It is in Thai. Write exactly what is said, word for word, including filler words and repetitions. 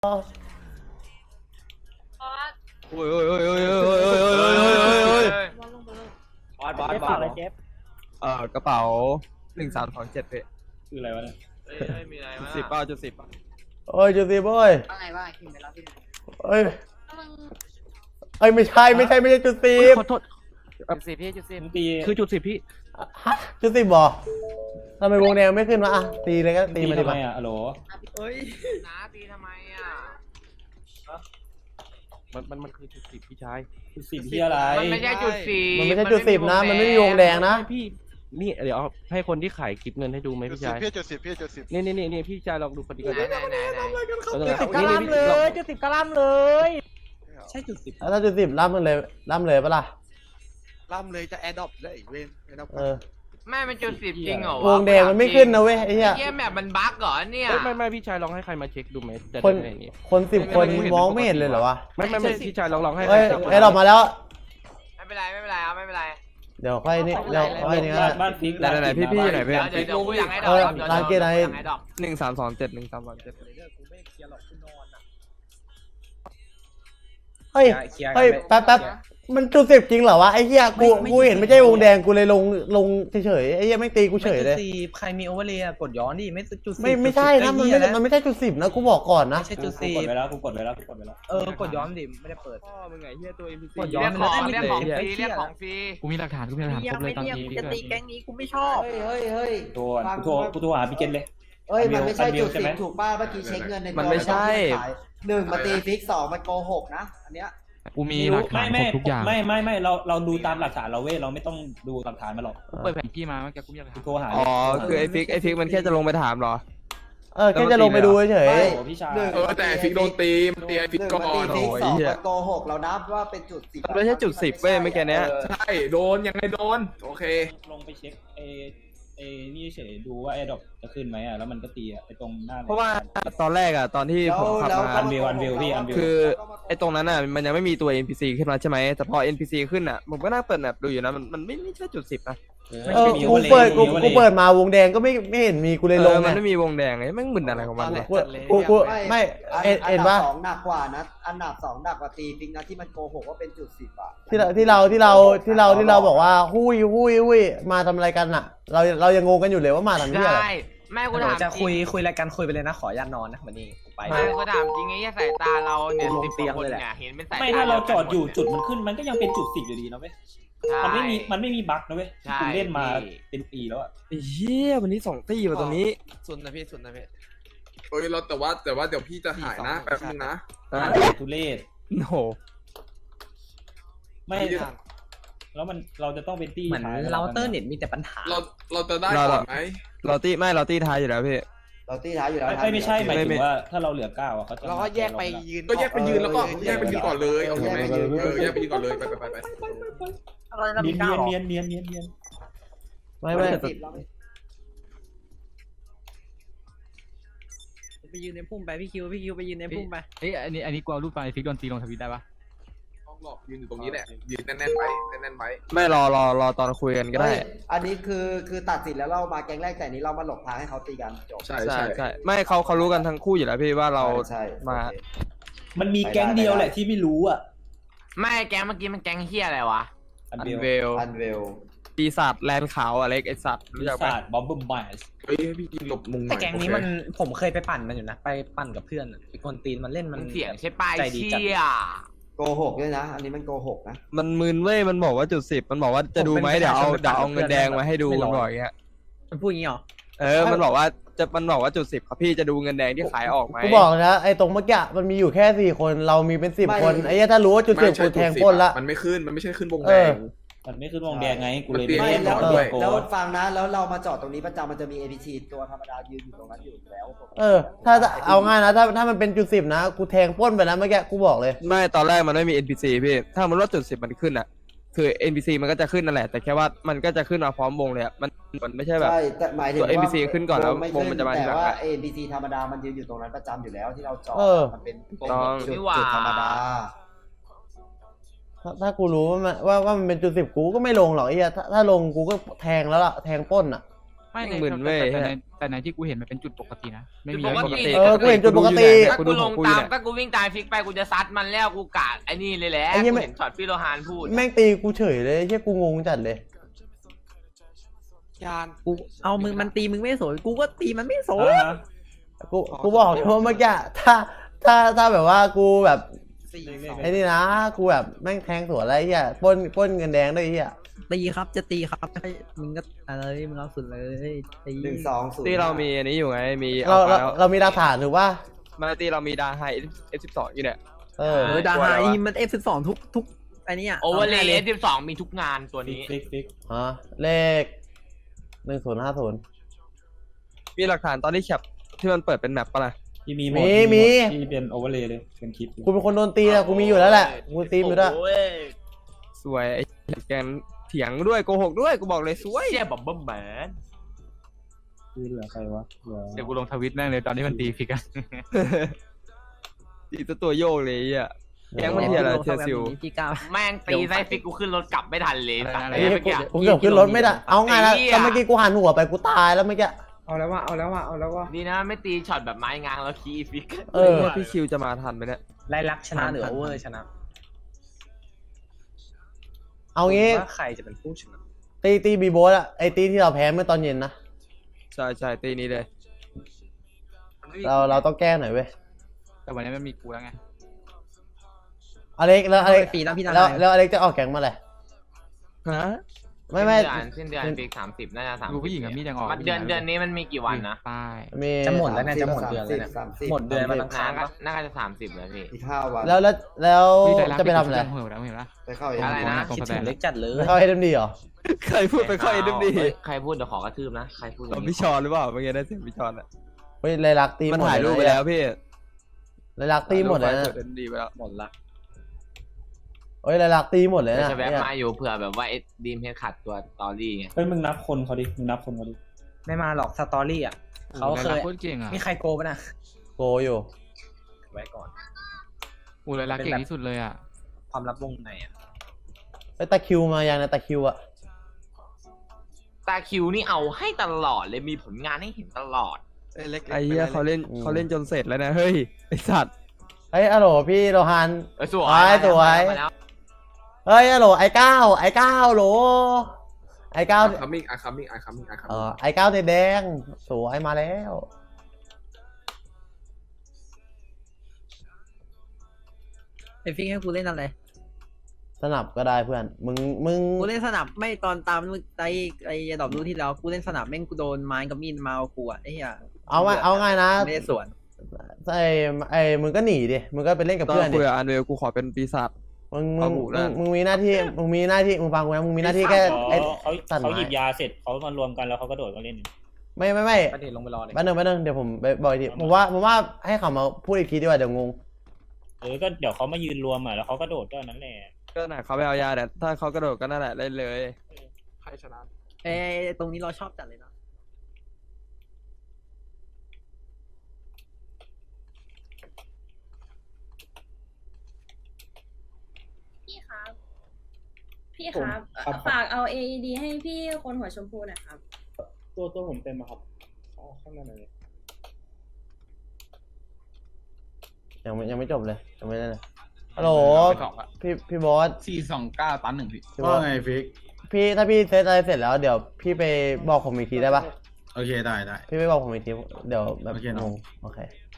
โอ้ยโอ้ยโอ้ยโอ้ยโอ้ยโอ้ยโอ้ยโอ้ยโอ้ยโอ้ยบอสบอสบอสเจ็บเอ่อกระเป๋าหนึ่งสามสองเจ็ดเพคืออะไรวะเนี่ยมีอะไรมาสิบเป้าจุดสิบโอ้ยจุดสิบโอ้ยว่าไงว่าคิมไปรับที่ไหนเอ้ยเอ้ยไม่ใช่ไม่ใช่ไม่ใช่จุดสิบขอโทษจุดสิบพี่จุดสิบตีคือจุดสิบพี่ฮะจุดสิบบ่ทำไมวงแดงไม่ขึ้นวะอ่ะตีเลยก็ตีมาดิทำไมอ่ะอะโหลเฮ้ยน้าตีทำไมอ่ะมันมันมันคือจุดสิบพี่ชายจุดสิบที่อะไรมันไม่ใช่จุดสิบมันไม่ใช่จุดสิบนะมันไม่มีวงแดงนะพี่นี่เดี๋ยวให้คนที่ขายคลิปเงินให้ดูไหมพี่ชายพี่จุดสิบพี่จุดสิบนี่นี่นี่นี่พี่ชายลองดูปฏิกิริยาจุดสิบกระลำเลยจุดสิบกระลำเลยใช่จุดสิบถ้าจุดสิบล่ำมันเลยล่ำเลยปะล่ะล่ำเลยจะแอดดอปเลยเว้นแอดดอปเออแม่มันจุดสิบจริงเหรอวงแดงมันไม่ขึ้นนะเว้ยไอ้เหี้ยเหี้ยแบบมันบั๊กเหรอเนี่ยไม่ไม่พี่ชายลองให้ใครมาเช็คดูไหมคนคนสิบคนมองไม่เห็นเลยเหรอวะไม่ไม่ไม่พี่ชายลองลองให้เอ้ยไอ้ดอกมาแล้วไม่เป็นไรไม่เป็นไรเอาไม่เป็นไรเดี๋ยวค่อยนี่เดี๋ยวค่อยนี่ก็บ้านฟิกไหนไหนพี่พี่ไหนพี่เดี๋ยวเดี๋ยวกูอยากให้ดอกร้านเกย์ไหนหนึ่งสามสองเจ็ดหนึ่งสามสองเจ็ดเฮ้ยเฮ้ยแป๊บแป๊บมันจุดสิบจริงเหรอวะไอ้เหี้ยกูกูเห็นไม่ใช่วงแดงกูเลยลงลงเฉยๆไอ้เหี้ยไม่ตีกูเฉยเลยใครมีโอเวอร์เลยกดย้อนดิไม่จุดสิบไม่ไม่ใช่นะมันไม่มันไม่ใช่จุดสิบนะกูบอกก่อนนะไม่ใช่จุดสิบกดไปแล้วกูกดไปแล้วกูกดไปแล้วเออกดย้อนดิไม่ได้เปิดพ่อมึงไงเหี้ยตัว เอ็ม พี ซีกดย้อนมันเรียกของฟรีเรียกของฟรีกูมีหลักฐานกูมีหลักฐานครบเลยตอนนี้จะตีแก๊งนี้กูไม่ชอบเฮ้ยเฮ้ยตัวกูโทรกูโทรหาพี่เกนเลยเฮ้ยมันไม่ใช่จุดสิบถูกป่ะเมื่อกี้เช็คเงินในมันไม่ใช่หนึ่งมาตีฟิกสองมันโกหกนะอันเนี้ยกูมีหลักฐานครบทุกอย่างไม่ไม่ไม่เราเราดูตามหลักฐานเราเว้ยเราไม่ต้องดูหลักฐานมาหรอกเปิดแผนที่มาเมื่อกี้กูมีหลักฐานโทรหาอ๋อคือไอ้ฟิกไอ้ฟิกมันแค่จะลงไปถามเหรอเออแค่จะลงไปดูเฉยพี่ชายเออแต่ฟิกโดนตีมันตีไอ้ฟิกก่อนโอ้ยเหี้ยโกหกเรานับว่าเป็นจุดสิบไม่ใช่จุดสิบเว้ยเมื่อกี้เนี้ยใช่โดนยังไงโดนโอเคลงไปเช็คเอเอนี่เฉยดูว่าแอร์ดรอปจะขึ้นไหมอ่ะแล้วมันก็ตีอ่ะไอตรงหน้าเพราะว่าตอนแรกอ่ะตอนที่ผมขับมาอันวิวอันวิวพี่อันวิวคือไอตรงนั้นอ่ะมันยังไม่มีตัว เอ็น พี ซี ขึ้นมาใช่ไหมแต่พอ เอ็น พี ซี ขึ้นอ่ะผมก็นั่งเปิดแมปดูอยู่นะมันมันไม่ไม่ใช่จุดสิบนะเออกูเปิดกูกูเปิดมาวงแดงก็ไม่ไม่เห็นมีกูเลยลงมันไม่มีวงแดงไงแม่งมึนอะไรของมันกูกูกูไม่เห็นปะสองหนักกว่านะอันดับสองหนักกว่าตีฟิกนะที่มันโกหกว่าเป็นจุดสิบอ่ะที่เราที่เราที่เราที่เราที่เราบอกว่าหุ้ยหุ้ยหุ้ยมาทำอะไรกันอ่ะเราเรายังงงกันอยู่เลยว่ามาทำที่อะไรแม่กูถามจะคุยคุยรายการคุยไปเลยนะขอยันนอนนะวันนี้ไปแม่กูถามจริงไงสายตาเราเนี่ยสิบคนเนี่ยเห็นเป็นสายตาไม่ถ้าเราจอดอยู่จุดมันขึ้นมันก็ยังเป็นจุดสิบอยู่ดีนะเว้ยมันไม่มีมันไม่มีบั๊กนะเว้ยกูเล่นมาเป็นปีแล้วอ่ะเฮียวันนี้สองตีมาตรงนี้สุดนะพี่สุดนะพี่เอ้ยเราแต่ว่าแต่ว่าเดี๋ยวพี่จะหายนะแป๊บนึงนะทุเรศโหไม่แล้วมันเราจะต้องเป็นตี้เหมือนเราเตอร์เน็ตมีแต่ปัญหาเราเราจะได้ก่อนไหมเราตีไม่เราตีท้ายอยู่แล้วพี่เราตีท้ายอยู่แล้วไม่ไม่ใช่หมายถึงว่าถ้าเราเหลือเก้าอ่ะเขาจะเราก็แยกไปยืนก็แยกไปยืนแล้วก็แยกไปยืนก่อนเลยโอเคไหมเออแยกไปยืนก่อนเลยไปไปไปไปเนียนเนียนเนียนเนียนเนียนไม่ไม่ไปยืนในพุ่มไปพี่คิวพี่คิวไปยืนในพุ่มไปเอ้ยอันนี้อันนี้กลัวรูปไฟฟิกโดนตีลงทวิตได้ปะหลอกยืนอยู่ตรงนี้แหละยืนแน่นๆไว้แน่นๆไว้ไม่รอรอรอตอนคุยกันก็ได้อันนี้คือคือตัดสินแล้วเรามาแก๊งแรกแต่นี้เรามาหลบทางให้เขาตีกันจบใช่ใช่ใช่ไม่เขาเขารู้กันทั้งคู่อยู่แล้วพี่ว่าเรามามันมีแก๊งเดียวแหละที่ไม่รู้อ่ะไม่แก๊งเมื่อกี้มันแก๊งเฮียอะไรวะอันเวลอันเวลปีศาจแลนขาวอะไรไอสัตว์ปีศาจบอมบูมไบส์เฮ้ยพี่ยิงหลบมุมแต่แก๊งนี้มันผมเคยไปปั่นมันอยู่นะไปปั่นกับเพื่อนไอคนตีนมันเล่นมันเสียงใช่ป้ายเชี่ยโกหกด้วยนะอันนี้มันโกหกนะมันมึนเว้ยมันบอกว่าจุดสิบมันบอกว่าจะดูไหมเดี๋ยวเอาเดี๋ยวเอาเงินแดงมาให้ดูมันบอกอย่างเงี้ยมันพูดอย่างงี้หรอเออมันบอกว่าจะมันบอกว่าจุดสิบครับพี่จะดูเงินแดงที่ขายออกไหมกูบอกนะไอ้ตรงเมื่อกี้มันมีอยู่แค่สี่คนเรามีเป็นสิบคนไอ้ถ้ารู้ว่าจุดสิบกูแทงพ้นละมันไม่ขึ้นมันไม่ใช่ขึ้นวงแดงมันไม่ขึ้นวงแดงไงกูเลยไม่แล้วแล้วฟังนะแล้วเรามาจอดตรงนี้ประจำมันจะมี เอ พี ซี ตัวธรรมดายืนอยู่ตรงนั้นอยู่แล้วเออถ้าเอาง่ายนะถ้าถ้ามันเป็นจุดสิบนะกูแทงพ้นไปแล้วเมื่อกี้กูบอกเลยไม่ตอนแรกมันไม่มี เอ็น พี ซี พี่ถ้ามันลดจุดสิบมันขึ้นอ่ะคือ เอ็น พี ซี มันก็จะขึ้นนั่นแหละแต่แค่ว่ามันก็จะขึ้นมาพร้อมวงเลยมันมันไม่ใช่แบบใช่แต่หมายถึงตัว เอ็น พี ซี ขึ้นก่อนแล้ววงมันจะมาทีหลังแต่ว่า เอ พี ซี ธรรมดามันยืนอยู่ตรงนั้นประจำอยู่แล้วที่เราจอดมันเป็นจุดธรรมดาถ้ากูรู้ว่าว่าว่ามันเป็นจุดสิบกูก็ไม่ลงหรอกไอ้เหี้ยถ้าถ้าลงกูก็แทงแล้วล่ะแทงป้นอ่ะไม่ในหมื่นเว้ยแต่ในแต่ในที่กูเห็นมันเป็นจุดปกตินะไม่มีจุดปกติอะไรเออกูเห็นจุดปกติถ้ากูลงตามถ้ากูวิ่งตามฟิกไปกูจะซัดมันแล้วกูกะไอ้นี่เลยแหละไอ้เหี้ยกูไม่เห็นช็อตพี่โลหานพูดแม่งตีกูเฉยเลยเฮียกูงงจัดเลยยานกูเอามึงมันตีมึงไม่สวยกูก็ตีมันไม่สวยอ่าฮะกูกูบอกเลยว่าเมื่อกี้ถ้าถ้าถ้าแบบว่ากูแบบไอ้นี่นะกูแบบแม่งแทงสวนอะไรเฮียปล้นปล้นเงินแดงด้วยเฮียตีครับจะตีครับให้มึงก็อะไรมึงเอาสุดเลยตีหนึ่งสองศูนย์ที่เรามีอันนี้อยู่ไงมีเราเอาเราแล้วเรามีหลักฐานถูกป่ะมาตีเรามีดาไฮเอฟสิบสองอยู่เนี่ยเออเออดาไฮมันเอฟสิบสองทุกทุกไอ้นี่อ่ะโอเวอร์เลย์เอสสิบสองมีทุกงานตัวฟิกนี้ฟิกฟิกฮะเลขหนึ่งศูนย์ห้าศูนย์มีหลักฐานตอนที่แคปที่มันเปิดเป็นแมปปะล่ะที่มีหมมีดมีที่เป็นโอเวอร์เลยเลยเป็นคลิปอยู่กูเป็นคนโดนตีอะกูมีอยู่แล้วแหละกูตีมอยู่ด้วยโอ้ยสวยไอ้แกนเถียงด้วยโกหกด้วยกูบอกเลยสวยเชี่ยบบเบิ้มแมนคือเหลือใครวะเหลือเดี๋ยวกูลงทวิตแม่งเลยตอนที่มันตีฟิกอะตีตัวตัวโยกเลยอ่ะแกงมันเทียอะไรเทียซิวพี่ก้าวแม่งตีไส้ฟิกกูขึ้นรถกลับไม่ทันเลยอะไรไอ้นะเหี้ยเมื่อกี้กูเกือบขึ้นรถไม่ได้เอาไงนะไอ้เหี้ยแต่เมื่อกี้กูหันหัวไปกูตายแล้วเมื่อกี้เอาแล้วว่าเอาแล้วว่าเอาแล้วว่าดีนะไม่ตีช็อตแบบไม้งางแล้วคีย์ฟิกเออว่าพี่คิวจะมาทันไหมเนี่ยไล่ลักชนะหรือโอเวอร์ชนะเอางี้ว่าใครจะเป็นผู้ชนะตีตีบีโบสอะไอตีที่เราแพ้เมื่อตอนเย็นนะใช่ใช่ตีนี้เลยเราเราต้องแก้หน่อยเว้ยแต่วันนี้มันมีกูแล้วไงอเล็กแล้วอเล็กปีแล้วพี่ดาแล้วไฮแล้วอเล็กจะออกแก๊งเมื่อไหร่ฮะไม่ไม่สิ้นเดือนฟิกสามสิบน่าจะสามดูผู้หญิงกับมีดยังออกเดือนเดือนนี้มันมีกี่วันนะใต้มีจะหมดแล้วเนี่ยจะหมดเดือนแล้วเนี่ยสามสิบหมดเดือนมันอังคาน่าร ก็ปะน่าจะสามสิบแล้วพี่อีกห้าวันแล้วแล้วแล้วพี่ใจรักจะไปทำอะไรเห็นแล้วเห็นแล้วไปเข้าเองอะไรนะตรงคิดสแตถึนงเล็กจัดเลยไม่เข้าเอ็มดีเหรอใครพูดไปค่อยดึมดีเฮ้ยใครพูดเดี๋ยวขอกระทืบนะใครพูดอย่าเรางพี่นี้ชอนหรือเปล่าเมื่อกี้ได้เสียงพี่ชอนอ่ะเฮ้ยเลยรักตีมันหมดถ่ายรูปไปเยแล้วพี่เลยรักตีหมดเลยนะเปิดดีไปแล้วหมดละเฮ้ยเลยรักตีหมดเลยเดี๋ยวนะจะแวะเนี่ยมาอยู่เผื่อแบบว่าเอ็ดดีมเฮดขัดตัวตอรี่ไงเฮ้ยมึงนับคนเขาดิมึงนับคนเขาดิไม่มาหรอกสตอรี่อ่ะเขาเคยโคตรเก่งอ่ะมีใครโกปะนะโกอยู่ไว้ก่อนอูเลยรักเก่งที่สุดเลยอ่ะความลับวงในอ่ะไอ้ตะคริวมายังนะตะคริวอะตาคิวนี่เอาให้ตลอดเลยมีผลงานให้เห็นตลอดเอ้ยเล็กๆไอ้เหี้ยไปเขาเล่นเขาเล่นจนเสร็จแล้วนะเฮ้ยไอสัตว์เฮ้ยอะโหลพี่โลฮันเออสวยไอ้สวยมาแล้วเฮ้ยอะโหลไอ้เก้าไอ้เก้าโหลไอ้เก้าอาคัมมิ่งอาคัมมิ่งอาคัมมิ่งอาคัมเอมิ่งอไอ้เก้าแดงสวยมาแล้วไอฟิกให้กูเล่นอะไรสนับก็ได้เพื่อนมึงมึงกูเล่นสนับไม่ตอนตามไอไอดอกรู้ที่แล้วกูเล่นสนับแม่งกูโดนไม้กับมีดมาเอากูอ่ะไอ้เหี้ยเอาไงเอาไงนะไม่ได้สวนไอ้ไอ้มึงก็หนีดิมึงก็ไปเล่นกับตอนเพื่อนดิคุยกับอันเวลกูขอเป็นปีศาจมึงมึเอางบุมึนะงมึงมีหน้าที่มึงมีหน้าที่มึงฟังกูนะมึงมีหน้าที่แค่อ๋อไอ้เขาตัดไม้เขาหยิบยาเสร็จเขามารวมกันแล้วเขาก็โดดมาเล่นไม่ไม่ไม่ประเด็นลงไปรอเลยแป๊บนึงแป๊บนึงเดี๋ยวผมไปบอกอีกทีผมว่าผมว่าให้เขามาพูดอีกทีดีกว่าเดี๋ยวงงเออก็เดี๋ยวเขามายืนรวมอ่ะแล้วเขาก็โดดก็นั้นแหละก็น่ะเขาไปเอายาแต่ถ้าเขากระโดดก็นั่นแหละเล่นเลยใครชนะไอตรงนี้เราชอบจัดเลยนะพี่ครับ พี่ครับเอ่อฝากเอา เอ อี ดี ให้พี่คนหัวชมพูหน่อยครับตัวตัวผมเต็มอะครับอ๋อข้างในเลยยังไม่ยังไม่จบเลยยังไม่ได้เลยฮัลโหลพี่พี่บอสสี่สองเก้าตันหนึ่งพี่พี่บอสไงฟิกพี่ถ้าพี่เซตอะไรเสร็จแล้วเดี๋ยวพี่ไปบอกผมอีกทีได้ปะโอเคได้ได้พี่ไปบอกผมอีกทีเดี๋ยวแบบโอเคเนอะงงโอเค